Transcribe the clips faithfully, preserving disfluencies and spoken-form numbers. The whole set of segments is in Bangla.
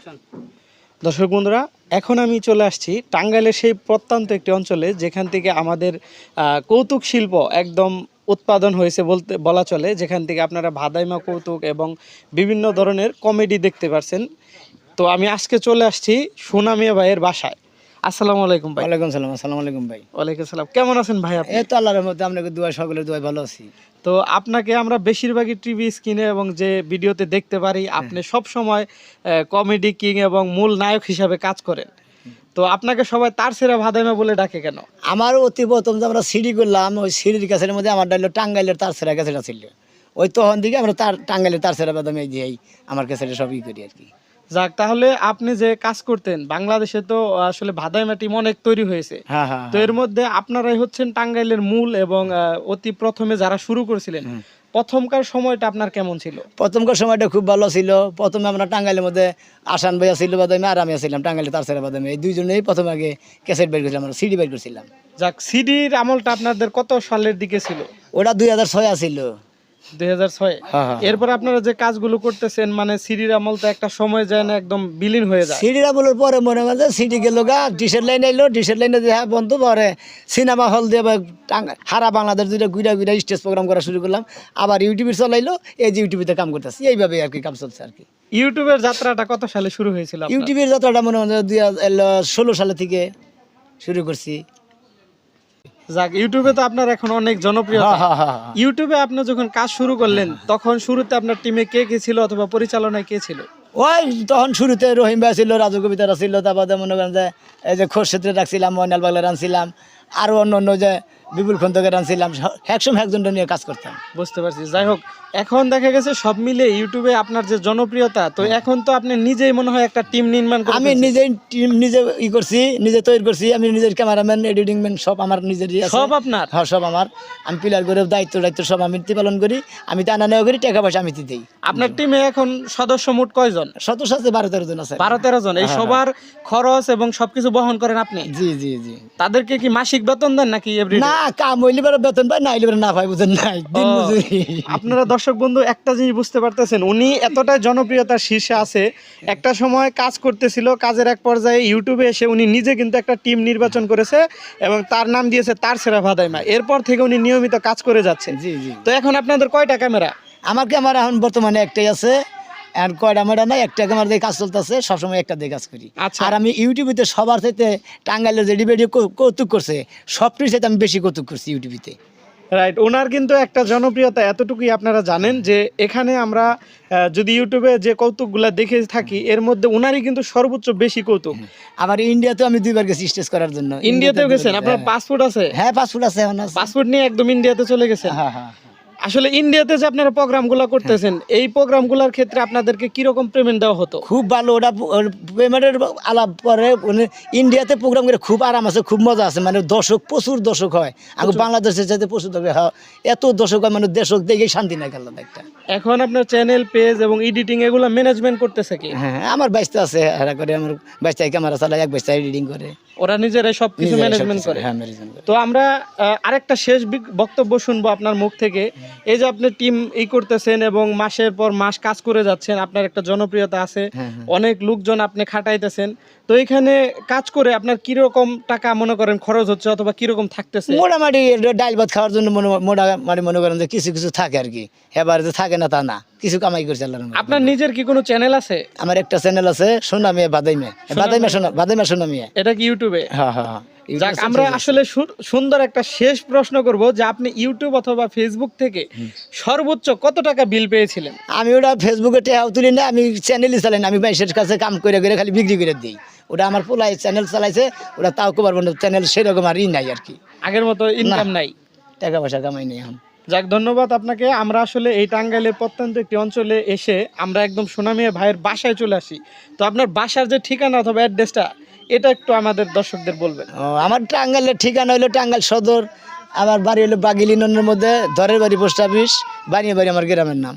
দর্শক বন্ধুরা, এখন আমি চলে আসছি টাঙ্গাইলের সেই প্রত্যন্ত একটি অঞ্চলে যেখান থেকে আমাদের কৌতুক শিল্প একদম উৎপাদন হয়েছে বলতে বলা চলে, যেখান থেকে আপনারা ভাদাইমা কৌতুক এবং বিভিন্ন ধরনের কমেডি দেখতে পারছেন। তো আমি আজকে চলে আসছি সুনামিয়া ভাইয়ের বাসায়। আসসালামু আলাইকুম ভাই। ওয়ালাইকুম সালাম। আসসালামু আলাইকুম ভাই। ওয়ালাইকুম সালাম। কেমন আছেন ভাই আপনি? এই তো আল্লাহর রহমতে আপনাকে দোয়া, সকলের দোয়ায় ভালো আছি। তো আপনাকে আমরা বেশিরভাগই টিভি স্ক্রিনে এবং যে ভিডিওতে দেখতে পারি, আপনি সব সময় কমেডি কিং এবং মূল নায়ক হিসাবে কাজ করেন। তো আপনাকে সবাই তার সেরা ভাদাইমা বলে ডাকে কেন? আমার অতি প্রথম যে আমরা সিঁড়ি করলাম, ওই সিঁড়ির কাছের মধ্যে আমার ডাইল টাঙ্গাইলের তার সেরা কাছেটা ছিল। ওই তখন দিকে আমরা তার টাঙ্গাইলের তার সেরা বাদামে দিয়েই আমার কাছে সবই করি আর কি। যাক, তাহলে আপনি যে কাজ করতেন বাংলাদেশে তো আসলে ভাদাইমা টিম অনেক তৈরি হয়েছে। হ্যাঁ হ্যাঁ। তো এর মধ্যে আপনারাই হচ্ছেন টাঙ্গাইলের মূল এবং আহ, অতি প্রথমে যারা শুরু করেছিলেন, প্রথমকার সময়টা আপনার কেমন ছিল? প্রথমকার সময়টা খুব ভালো ছিল। প্রথমে আমরা টাঙ্গাইলের মধ্যে আসান ভাইয়া ছিল বাদামে, আর আমি ছিলাম টাঙ্গাইলের তার সেরা বাদামে। এই দুইজনেই প্রথম আগে ক্যাসেট বের করেছিলাম, আমরা সিডি বের করছিলাম। যাক, সিডির আমলটা আপনাদের কত সালের দিকে ছিল? ওটা দুই হাজার ছয় ছিল। দুই হাজার ছয়। হ্যাঁ হ্যাঁ। এরপর আপনারা যে কাজগুলো করতেছেন, মানে সিডির আমল তো একটা সময় যায় না, একদম বিলীন হয়ে যায়। সিডিরা বলার পরে মনে হয় সিডি গেল গা, ডিশের লাইন এলো, ডিশের লাইনে দেখা বন্ধু পরে সিনেমা হল দিয়ে টাঙ্গা হারা বাংলাদেশ দুইটা ঘুরা ঘুরা স্টেজ প্রোগ্রাম করা শুরু করলাম। আবার ইউটিউবে চলাইলো, এই যে ইউটিউবে কাম করতেছি, এইভাবে আর কি কাম চলছে আর কি। ইউটিউবের যাত্রাটা কত সালে শুরু হয়েছিল আপনার? ইউটিউবের যাত্রাটা মনে হয় দুই হাজার ষোলো সালে থেকে শুরু করছি। যাক, ইউটিউবে তো আপনার এখন অনেক জনপ্রিয়তা। ইউটিউবে আপনি যখন কাজ শুরু করলেন, তখন শুরুতে আপনার টিমে কে কে ছিল অথবা পরিচালনায় কে ছিল? ওই তখন শুরুতে রহিম ভাই ছিল, রাজু কবিতারা ছিল, তারপরে মনে করেন যে এই যে খোরশেদরে রাখছিলাম, ময়নাল বাগলা রানছিলাম, আরও অন্য অন্য যে বিপুল খন্দকে রানছিলাম, একসময় একজনটা নিয়ে কাজ করতাম। বুঝতে পারছি। যাই হোক, এখন দেখা গেছে সব মিলে ইউটিউবে আপনার যে জনপ্রিয়তা, তো এখন তো আপনি নিজেই মনে হয় একটা টিম নির্মাণ করে আমি নিজেই টিম নিজে ই করছি, নিজে তৈরি করছি। আমি নিজের ক্যামেরাম্যান, এডিটিং ম্যান সব আমার নিজেরই আছে। সব আপনার? হ্যাঁ, সব আমার। আমি পিলার করে দায়িত্ব দায়িত্ব সব আমি পালন করি। আমি টানা নেওয়া করি, টাকা পয়সা আমি দিই। আপনার টিমে এখন সদস্য মোট কয়জন? সদস্য আছে বারো তেরো জন আছে। বারো তেরো জন। এই সবার খরচ এবং সবকিছু বহন করেন আপনি? জি জি জি। তাদেরকে কি মাসিক বেতন দেন নাকি এভরিডে? না, কাম হইলে বেড়ে বেতন পাই, না হইলে বেড়ে না পাই, বুঝেন নাই, দিন মজুরি। আপনারা দর্শক বন্ধু একটা জিনিস বুঝতে পারতেছেন, উনি এতটাই জনপ্রিয়তার শীর্ষে আছে। একটা সময় কাজ করতেছিল, কাজের এক পর্যায়ে ইউটিউবে এসে উনি নিজে কিন্তু একটা টিম নির্বাচন করেছে এবং তার নাম দিয়েছে তার সেরা ভাদাইমা। এরপর থেকে উনি নিয়মিত কাজ করে যাচ্ছে। জি জি। তো এখন আপনাদের কয়টা ক্যামেরা? আমার ক্যামেরা এখন বর্তমানে একটাই আছে। আর কয়টা ক্যামেরা নাই, একটা ক্যামেরা দিয়ে কাজ চলতেছে, সবসময় একটা দিয়ে কাজ করি। আচ্ছা। আর আমি ইউটিউবেতে সবার চাইতে টাঙ্গাইলের যে ভিডিও কৌতুক করছে, সবটির চাইতে আমি বেশি কৌতুক করছি ইউটিউবেতে। রাইট। ওনার কিন্তু একটা জনপ্রিয়তা এতটুকুই আপনারা জানেন যে এখানে আমরা আহ, যদি ইউটিউবে যে কৌতুকগুলা দেখে থাকি, এর মধ্যে ওনারই কিন্তু সর্বোচ্চ বেশি কৌতুক। আবার ইন্ডিয়াতেও আমি দুইবার গেছি স্টেজ করার জন্য। ইন্ডিয়াতেও গেছেন? আপনার পাসপোর্ট আছে? হ্যাঁ, পাসপোর্ট আছে। পাসপোর্ট নিয়ে একদম ইন্ডিয়াতে চলে গেছেন? হ্যাঁ হ্যাঁ। আসলে ইন্ডিয়াতে যে আপনারা প্রোগ্রামগুলো করতেছেন, এই প্রোগ্রামগুলোর ক্ষেত্রে আপনাদেরকে কিরকম পেমেন্ট দেওয়া হতো? খুব ভালো। ওটা পেমেন্টের আলাপ পরে ইন্ডিয়াতে প্রোগ্রাম করে খুব আরাম আছে, খুব মজা আছে। মানে দর্শক প্রচুর দর্শক হয়, আমি বাংলাদেশের চাইতে প্রচুর দর্শক হয়, এত দর্শক হয়, মানে দর্শক দেখে শান্তি নাই গেল একটা। এখন আপনার চ্যানেল, পেজ এবং এডিটিং এগুলো ম্যানেজমেন্ট করতেছে কি? হ্যাঁ, আমার বাইশটা আছে, এরা করে। আমার বাইশটাই ক্যামেরা চালায়, এক বাইশটা এডিটিং করে, ওরা নিজেরাই সবকিছু ম্যানেজমেন্ট করে। হ্যাঁ, ম্যানেজমেন্ট করে। তো আমরা আহ, আরেকটা শেষ বিক- বক্তব্য শুনবো আপনার মুখ থেকে। এই যে আপনি টিম ই করতেছেন এবং মাসের পর মাস কাজ করে যাচ্ছেন, আপনার একটা জনপ্রিয়তা আছে, অনেক লোকজন আপনি খাটাইতেছেন। তো এখানে কাজ করে আপনার কিরকম টাকা মনে করেন খরচ হচ্ছে অথবা কিরকম থাকতেছে? মোটামুটি ডাইল ভাত খাওয়ার জন্য মোটামুটি মনে করেন যে কিছু কিছু থাকে আর কি। এবার যে থাকে না তা না, কিছু কামাই করছে আল্লাহর রহমতে। আপনার নিজের কি কোনো চ্যানেল আছে? আমার একটা চ্যানেল আছে, সোনামিয়া বাদাইমে, বাদাইমা সোনা বাদাইমা সোনামিয়া। এটা কি ইউটিউবে? হ্যাঁ হ্যাঁ। যাক, আমরা আসলে সু- সুন্দর একটা শেষ প্রশ্ন করব যে আপনি ইউটিউব অথবা ফেসবুক থেকে সর্বোচ্চ কত টাকা বিল পেয়েছিলেন? আমি ওটা ফেসবুকে টেহাও তুলি না, আমি চ্যানেলই চালাই না। আমি বাইশের কাছে কাম করে করে খালি বিক্রি করে দিই। ওটা আমার পোলাই চ্যানেল চালাইছে, ওটা তাও কবার বন্ধ চ্যানেল সেরকম আর ই নাই আর কি। আগের মতো ইনকাম নাই? টাকা পয়সা কামাই নেই এখন। যাক, ধন্যবাদ আপনাকে। আমরা আসলে এই টাঙ্গাইলের প্রত্যন্ত একটি অঞ্চলে এসে আমরা একদম সোনামিয়া ভাইয়ের বাসায় চলে আসি। তো আপনার বাসার যে ঠিকানা অথবা অ্যাড্রেসটা, এটা একটু আমাদের দর্শকদের বলবেন। ও, আমার টাঙ্গাইলের ঠিকানা হলো টাঙ্গাইল সদর। আমার বাড়ি হলো বাগিলিনের মধ্যে, ধরের বাড়ি পোস্ট অফিস, বানিয়ে বাড়ি আমার গ্রামের নাম।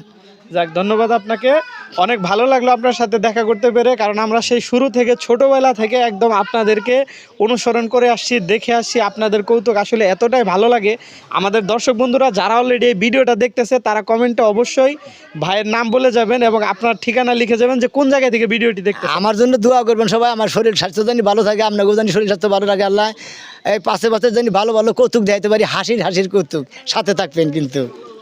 যাক, ধন্যবাদ আপনাকে। অনেক ভালো লাগলো আপনার সাথে দেখা করতে পেরে, কারণ আমরা সেই শুরু থেকে ছোটবেলা থেকে একদম আপনাদেরকে অনুসরণ করে আসছি, দেখে আসছি। আপনাদের কৌতুক আসলে এতটাই ভালো লাগে। আমাদের দর্শক বন্ধুরা যারা অলরেডি এই ভিডিওটা দেখতেছে তারা কমেন্টে অবশ্যই ভাইয়ের নাম বলে যাবেন এবং আপনার ঠিকানা লিখে যাবেন যে কোন জায়গা থেকে ভিডিওটি দেখতে। আমার জন্য দোয়া করবেন সবাই, আমার শরীর স্বাস্থ্য জানি ভালো থাকে, আপনাকেও জানি শরীর স্বাস্থ্য ভালো থাকে আল্লাহ। এই পাশে পাশে জানি ভালো ভালো কৌতুক দেখাইতে পারি, হাসির হাসির কৌতুক, সাথে থাকবেন কিন্তু।